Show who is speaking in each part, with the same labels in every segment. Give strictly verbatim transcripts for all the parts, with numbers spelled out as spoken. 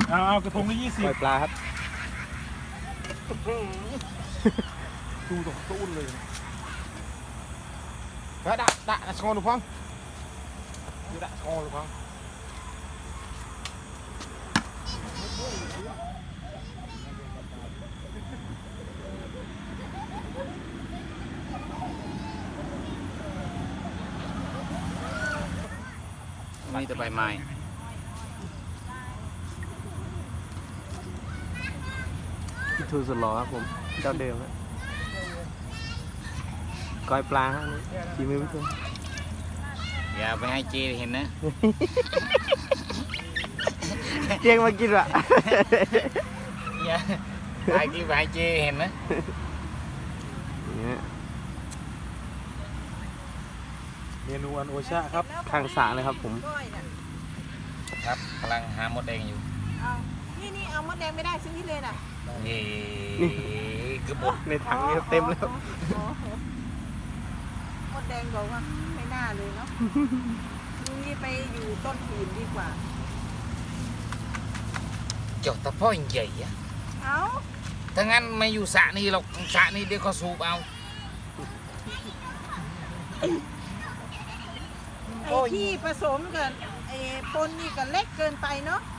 Speaker 1: เอาเอากระทงละยี่สิบ
Speaker 2: ปล่อยปลาครับ
Speaker 1: ดูตรงตู้เลยแล้วด่าด่าชงหรือพังดูด่าชงหรือพัง
Speaker 3: มีแต่ใบไม้
Speaker 2: พี่ทูสุดหล่อครับผมเจ้าเดิมครับก้อยปลาฮะนี่ฝีมือพี่ทู
Speaker 3: อย่าไปให้เจเห็นนะ
Speaker 2: เจียงมากินวะ
Speaker 3: อย่าไปกินไปให้เจเห็นนะ
Speaker 1: เมนูอันโอชาครับ
Speaker 2: ข้างสระเลยครับผม
Speaker 3: ครับกำลังหามดแดงอยู่
Speaker 4: เอานี่นี่เอามดแดงไม่ได้ซื้อที่เลยน่ะ
Speaker 3: นี่คือบด
Speaker 2: ในถังนี้เต็มแล้ว
Speaker 4: มดแดงบอกว่าไม่น่าเลยเนาะลุงนี่ไปอยู่ต้นหินดีกว่า
Speaker 3: จดตะพ่อใหญ่อะ
Speaker 4: เอา
Speaker 3: ถ้างั้นไม่อยู่สระนี่หรอกสระนี่เดี๋ยวเขาสูบเอา
Speaker 4: ไอ้ที่ผสมกับไอ้ปนนี่ก็เล็กเกินไปเนาะ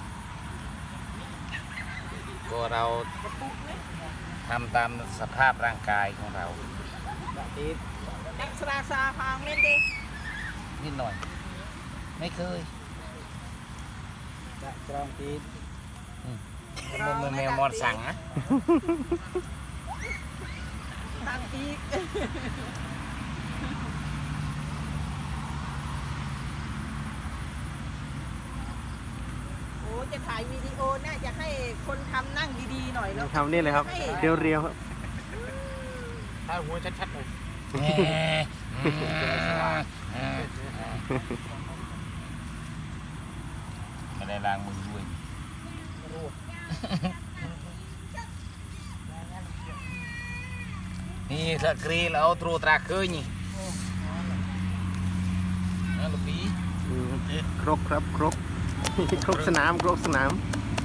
Speaker 3: ก็เราทำตามสภาพร่างกายของเรา
Speaker 4: นักสราซาพางเล่นดิ
Speaker 3: นิดหน่อยไม่เคย
Speaker 1: จะกรองตีน
Speaker 3: มันแมวมอนสั่งนะ
Speaker 4: ตั้งปีกโอ้จะถ่ายวิดีโอน่าจะให้คนทำนั่งดีๆหน่อยแล้ว
Speaker 2: ทำนี่เลยครับเรียวๆครับ
Speaker 1: ถ่ายหัวชัดๆเลย
Speaker 3: ไม่ได้ล้างมือด้วยนี่สกรีนเอาตรูตราเคยนี่นั่นลูกปี
Speaker 2: ครกครับครกครกสนามครกสนาม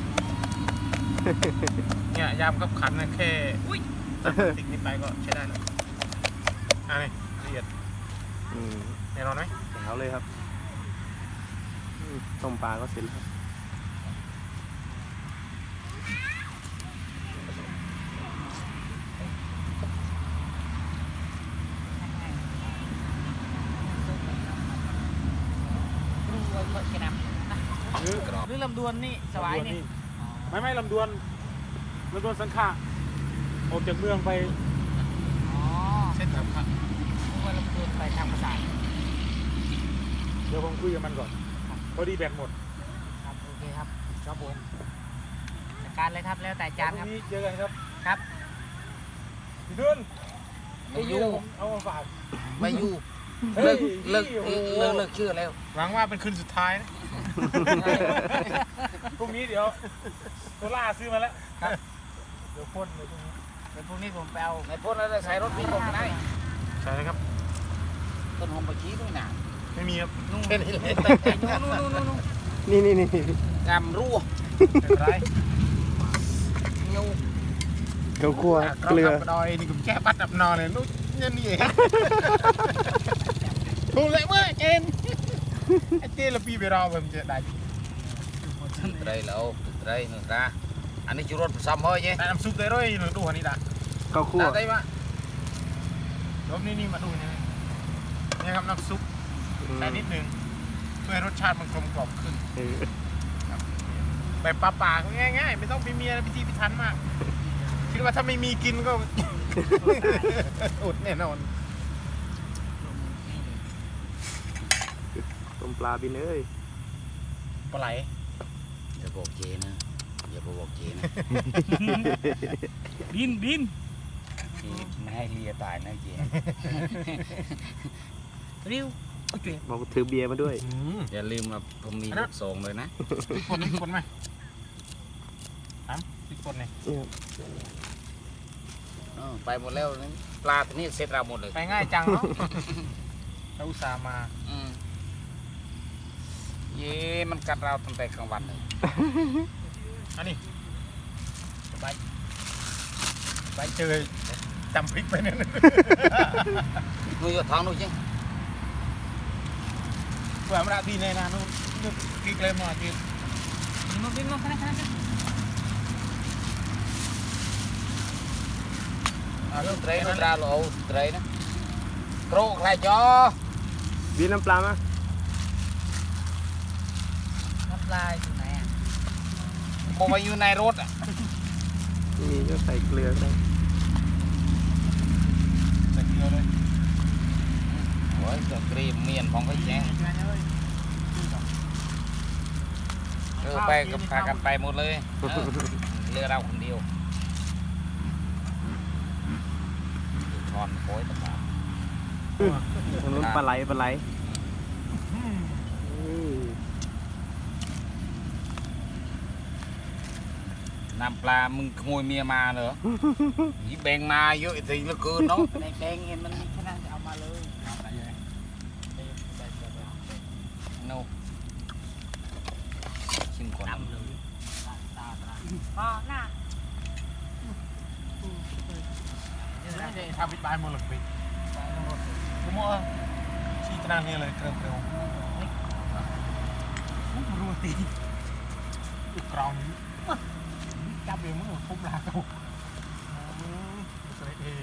Speaker 1: เนี่ยยามกับขันนะแค่ตัดติ๊กนิดไปก็ใช้ได้แล้วอ่ะนี่ละเอียดแน่นอนไหม
Speaker 2: เอาเลยครับต้มปลาก็เสร็จแล้ว
Speaker 1: หรือลำดวนนี่สบายนี่ไม่ไม่ลำดวนลำดวนสังขะออกจากเมืองไป
Speaker 4: อ๋อ
Speaker 1: เส้นทางครับ
Speaker 4: ว่าลำดวนไปทางภาษา
Speaker 1: เดี๋ยวผมคุยกับมันก่อนพอดีแบตหมด
Speaker 4: ครับโอเคครับ
Speaker 1: ครับผม
Speaker 4: จัดการเลยครับแล้วแต่จานครับ
Speaker 1: เจอกันครับ
Speaker 4: ครับ
Speaker 1: พี่ดุล
Speaker 3: ไม่อยู่
Speaker 1: เอามาฝาก
Speaker 3: ไม่อยู่เลิกเลิกเลิกเลิกชื่อแล้ว
Speaker 1: หวังว่าเป็นคืนสุดท้ายนะพรุ่งนี้เดี๋ยวโซล่าซื้อมาแล้วเดี๋ยวพ่นเลยพรุ่งนี้
Speaker 4: เดี๋ยวพรุ่งนี้ผมไปเอา
Speaker 3: ในพ่นแล้วใส่รถพี่ผมได้
Speaker 1: ใช่เลยครับ
Speaker 3: ต้นหอมปะชีด้วยนะ
Speaker 1: ไม่มีครับ
Speaker 3: นู่นนู่นนู่นนู่นนู่น
Speaker 2: นี่นี่นี่
Speaker 3: กำรั่ว
Speaker 1: ไร
Speaker 3: เงี้ยว
Speaker 2: เกลือคั่วเกลือ
Speaker 1: ดอยนี่ผมแก้ปัดดับนอนเลยนู้นนี่นี่เองถูกเลยเว้ยเจนไอเจนละปีไปรอผมจะได้
Speaker 3: ไรแล้วไรหนึ่งตาอันนี้จุดรถซ้ำเฮ้ยเจ๊
Speaker 1: น้ำซุปได้ด้วยหนูดูหันนี่ด่ะ
Speaker 2: ข้าวคั่ว
Speaker 3: ได้ปะ
Speaker 1: รอบนี้นี่มาดูนี่นี่ครับน้ำซุปใส่นิดนึงเพื่อให้รสชาติมันกลมกล่อมขึ้นแบบปลาๆง่ายๆไม่ต้องไปมีอะไรพิธีพิถันมากคิดว่าถ้าไม่มีกินก็อดแน่นอน
Speaker 2: ต้มปลาบินเอ้ย
Speaker 1: ปลาไหล
Speaker 3: อย่าบอกเจนะอย่าบอกเจนะ
Speaker 1: บินบิน
Speaker 3: ไม่ให้เลียตายนะเจ
Speaker 4: ริ้ว
Speaker 2: บอกถือเบียร์มาด้วย
Speaker 3: อย่าลืมว่าผมมีลูกสองเลยนะ
Speaker 1: ติดคนติดคนไหมถามติดคนเลย
Speaker 3: ไปหมดแล้วปลาตัวนี้เสร็จเราหมดเลย
Speaker 1: ไปง่ายจังเนาะเราอุตส่าห์มา
Speaker 3: เย่มันกัดเราตั้งแต่กลางวันเลย
Speaker 1: อันนี้ใบใบเจอจำพริกไปเนี่ย
Speaker 3: nuôi vào thang nuôi chứ
Speaker 1: เพื่อมาได้ทีในนานู้นนึกพริกเลยมาที
Speaker 3: nó biết nó cái này à nó tray nó ra lộ tray đó cro lại cho
Speaker 2: บีน้ำปลามา
Speaker 3: nó lại chỗ này một bao nhiêu này rốt à
Speaker 2: นี่ก็ใส่เกลือได้
Speaker 1: ใส่เกลือเลย
Speaker 3: ôi giờ cream miền phong cái chénเออไปกับพากันไปหมดเลยเรือเราคนเดียวทอนโค้ยตะบา
Speaker 2: ตรงนู้นปลาไหลปลาไหลอืม
Speaker 3: น้ำปลามึงขโมยเมียมาเหรอยี่แบงมาเยอะทีเหลือเกินเนาะ
Speaker 4: ในแบงเห็นมันมีขนาดเอามาเลยเอาไปเลย
Speaker 3: โน่ชิมก่อน
Speaker 4: พอหน้า
Speaker 1: นี่ทำพิษบายมือหลักปีกูมั่วชี้ตนานนี่เลยเกลียวเกลียวรู้ตีอุกกรองจับเองมึงคุ้มลากูสไลด์เอง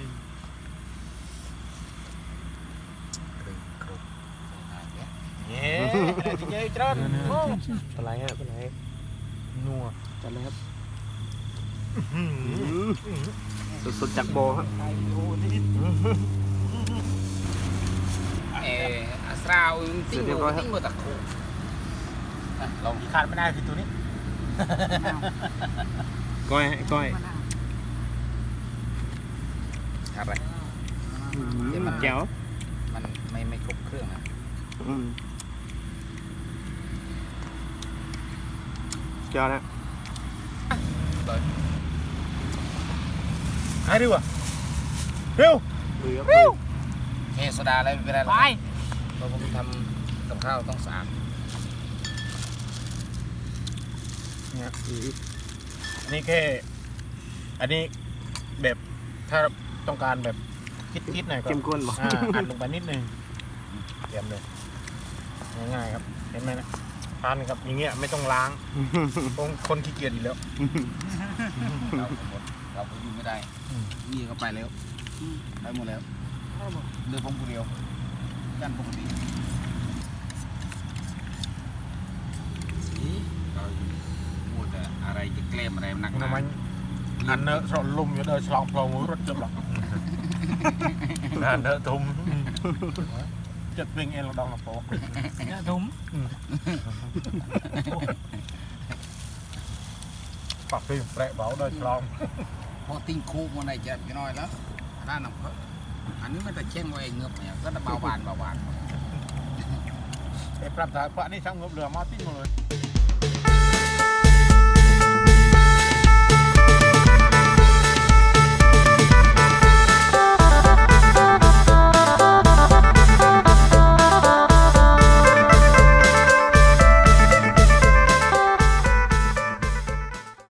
Speaker 1: เย้อะไรที่เจ๊จ้า
Speaker 2: ปลาไหลฮะปลาไหล
Speaker 1: นัว
Speaker 2: จัดเลยครับสดๆจากโบครับ
Speaker 3: เอออาสาวติ้งมือติ้งมือตะคูลอง
Speaker 1: ที่ขาดไม่ได้คือตัวนี้
Speaker 2: ก้อยก้อย
Speaker 3: อะไร
Speaker 2: แจ๋ว
Speaker 3: มันไม่ไม่ครบเครื่องนะ
Speaker 2: อืมจอดนะ
Speaker 1: หายดีกว่าเร็ว
Speaker 2: เรือ
Speaker 1: เร็ว
Speaker 3: เฮโซดาอะไรไม่เป็นไรหรอกเพราะผมทำกับข้าวต้องสะอาด
Speaker 1: เนี่ยอันนี้แค่อันนี้แบบถ้าต้องการแบบคิดๆหน่อยก็
Speaker 2: เข้มข้นบอก
Speaker 1: อ่าอัดลงไปนิดนึงเตรียมเลยง่ายๆครับเห็นไหมนะทานครับอย่างเงี้ยไม่ต้องล้างคนคนขี้เกียจอยู่แล้ว
Speaker 3: เราหมดเราไปอยู่ไม่ได้นี่ก็ไปแล้วไปหมดแล้วเรือพงผู้เดียวกันปกติเราพูดอะไรจะแกล้มอะไรนักห
Speaker 1: ทำ
Speaker 3: นา
Speaker 1: ไมอันเนอะสลมอยู่เดินฉลองพลองรถจะหลอกอันเนอะทุ่มจัดเป็นเองเราดองเราโป๊ะ
Speaker 3: đúng
Speaker 1: ปักฟิล์มแปะเบาเดินฉลอง
Speaker 3: พอติ้งคูมันได้จะน้อยแล้วด้านหนังเพออันนี้มันจะเช่งไว้เงือบเนี่ยก็จะเบาบานเบาบาน
Speaker 1: ไอ้ปรับสายพระนี่ช่างงบเรือมาติ้งมาเลย